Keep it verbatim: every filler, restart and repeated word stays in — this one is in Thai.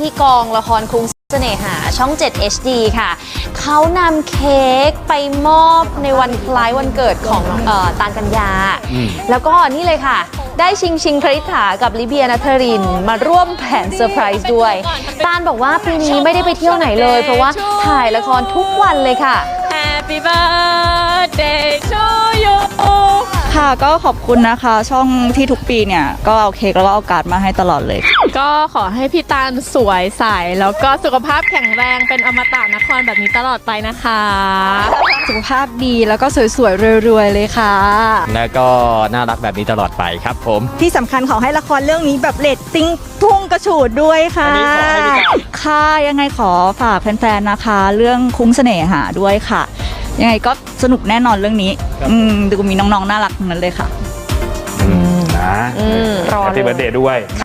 ที่กองละครคุ้งเสน่หาช่อง เจ็ด เอช ดี ค่ะเขานำเค้กไปมอบในวันคล้ายวันเกิดของเอ่อตาลกัญญาแล้วก็นี่เลยค่ะได้ชิงชิงคริษฐากับลิเบียนัทรินมาร่วมแผนเซอร์ไพรส์ด้วยตาลบอกว่าปีนี้ไม่ได้ไปเที่ยวไหนเลยเพราะว่าถ่ายละครทุกวันเลยค่ะ Happy birthday to you ค่ะก็ขอบคุณนะคะช่องที่ทุกปีเนี่ยก็เอาเค้กแล้วก็เอาการ์ดมาให้ตลอดเลยก็ขอให้พี่ตาลสวยใสแล้วก็สุขภาพแข็งแรงเป็นอมตะนครแบบนี้ตลอดไปนะคะสุขภาพดีแล้วก็สวยๆรวยๆเลยค่ะแล้วก็น่ารักแบบนี้ตลอดไปครับผมที่สำคัญขอให้ละครเรื่องนี้แบบเรตติ้งพุ่งกระฉูดด้วยค่ะอันนี้ขอให้พี่ตาลค่ะยังไงขอฝากแฟนๆนะคะ เรื่องคุ้งเสน่หาด้วยค่ะ ยังไงก็สนุกแน่นอนเรื่องนี้อืมดูมีน้องๆน่ารักทั้งนั้นเลยค่ะนะอืมรอเลยแฮปปี้เบิร์ธเดย์ด้วย